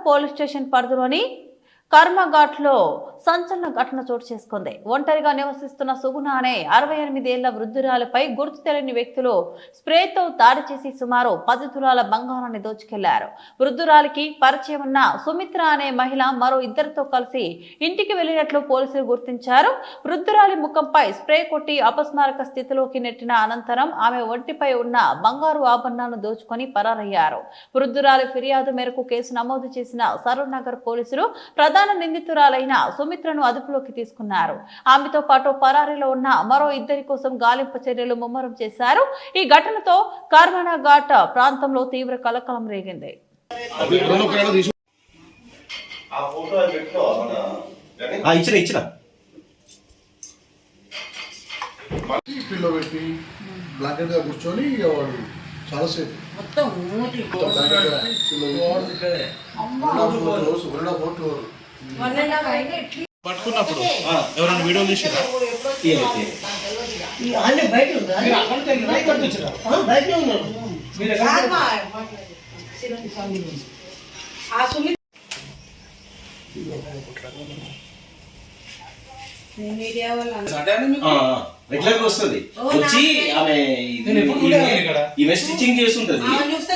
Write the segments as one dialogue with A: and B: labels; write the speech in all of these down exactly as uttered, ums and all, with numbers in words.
A: Police station పరిధిలోని కర్మఘాట్లో సంచలన ఘటన చోటు చేసుకుంది. ఒంటరిగా నివసిస్తున్న సుగుణ అనే అరవై ఎనిమిది ఏళ్ల వృద్ధురాలపై గుర్తు తెలియని వ్యక్తులు స్ప్రేతో దాడి చేసి సుమారు పది తులాల బంగారాన్ని దోచుకెళ్లారు. వృద్ధురాలికి పరిచయం ఉన్న సుమిత్ర అనే మహిళ మరో ఇద్దరితో కలిసి ఇంటికి వెళ్లినట్లు పోలీసులు గుర్తించారు. వృద్ధురాలి ముఖంపై స్ప్రే కొట్టి అపస్మారక స్థితిలోకి నెట్టిన అనంతరం ఆమె ఒంటిపై ఉన్న బంగారు ఆభరణాలను దోచుకొని పరారయ్యారు. వృద్ధురాలి ఫిర్యాదు మేరకు కేసు నమోదు చేసిన సరూర్ నగర్ పోలీసులు ప్రధాన నిందితురాలైన సుమిత్రను అదుపులోకి తీసుకున్నారు. ఆమెతో పాటు పరారీలో ఉన్న మరో ఇద్దరి కోసం గాలింపు చర్యలు ముమ్మరం చేశారు. ఈ ఘటనతో కర్మనా ఘాట్ ప్రాంతంలో తీవ్ర కలకలం రేగింది.
B: చాలాసేపు
C: పట్టుకున్నప్పుడు ఎవరైనా వీడియో తీసి
D: రెగ్యులర్ గా వస్తుంది వచ్చి ఆమె ఈమె స్టిచ్చింగ్ చేస్తుంటది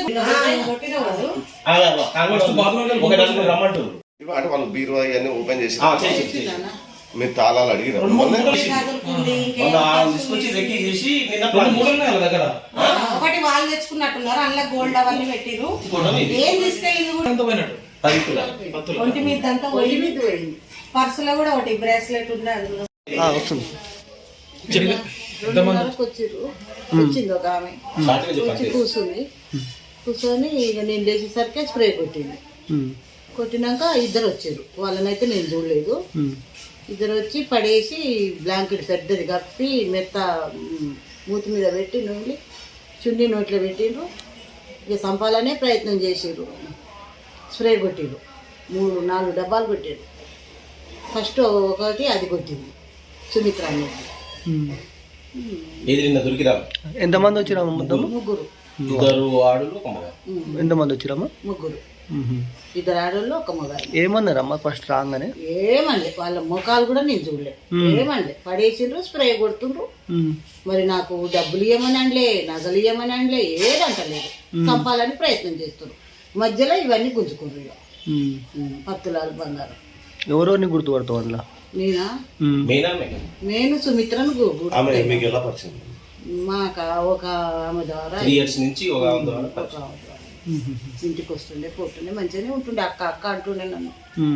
D: రమ్మంటారు
E: అంటే వాళ్ళు బీరువా ఇవన్నీ ఓపెన్ చేసి మీరు తాళాలు అడిగిన
D: తీసుకొచ్చి రెక్కి చేసి
F: దగ్గర ఒకటి వాళ్ళు తెచ్చుకున్నట్టున్నారు. అందులో గోల్డ్ అవన్నీ పెట్టిరు. ఏం తీసుకెళ్ళింది ఒంటి మీద అంతా పర్సులో కూడా ఒకటి బ్రేస్లెట్ ఉంది. అందులో వచ్చిర్రు వచ్చింది ఒక ఆమె వచ్చి కూర్చుంది. కూర్చొని ఇక నేను లేచేసరికి స్ప్రే కొట్టింది. కొట్టినాక ఇద్దరు వచ్చారు. వాళ్ళనైతే నేను చూడలేదు. ఇద్దరు వచ్చి పడేసి బ్లాంకెట్ పెద్దది కప్పి మెత్త మూతి మీద పెట్టి నూనె చున్నీ నోట్లో పెట్టిండ్రు. ఇక చంపాలనే ప్రయత్నం చేసిర్రు. స్ప్రే కొట్టిర్రు. మూడు నాలుగు డబ్బాలు కొట్టారు. ఫస్ట్ ఒకటి అది కొట్టింది సుమిత్ర అనేది.
B: ఎంతమంది వచ్చిరామా?
F: ముగ్గురు
B: ఎంతమంది వచ్చిరామా?
F: ముగ్గురు ఇద్దరు ఆడోళ్ళు ఒక మొగాడు.
B: ఏమన్నారమ్మా ఫస్ట్ రాగానే?
F: ఏమండి వాళ్ళ ముఖాలు కూడా నేను చూడలేదు. ఏమండి పడేసిండ్రు, స్ప్రే కొడుతుండ్రు. మరి నాకు డబ్బులు ఇవ్వమని అనలే, నగలు ఇవ్వమని అనలే, ఏదంటలేదు. చంపాలని ప్రయత్నం చేస్తున్నారు. మధ్యలో ఇవన్నీ గుంజుకుండ్రు. ఇక పత్తులాలు బంగారం.
B: ఎవరెవరిని గుర్తుపడతావు అందులో?
F: నేనా? నేను సుమిత్రను మాకు ఒక ఆమె ద్వారా ఇంటికి వస్తుండే పోతుండే మంచిగానే ఉంటుండే. అక్క అక్క అంటుండే నన్ను.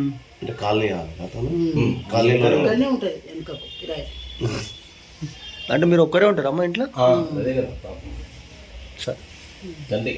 F: ఇక్కడనే ఉంటుంది వెనుకకు కిరాయి.
B: అంటే మీరు ఒక్కరే ఉంటారమ్మా ఇంట్లో?
D: సరే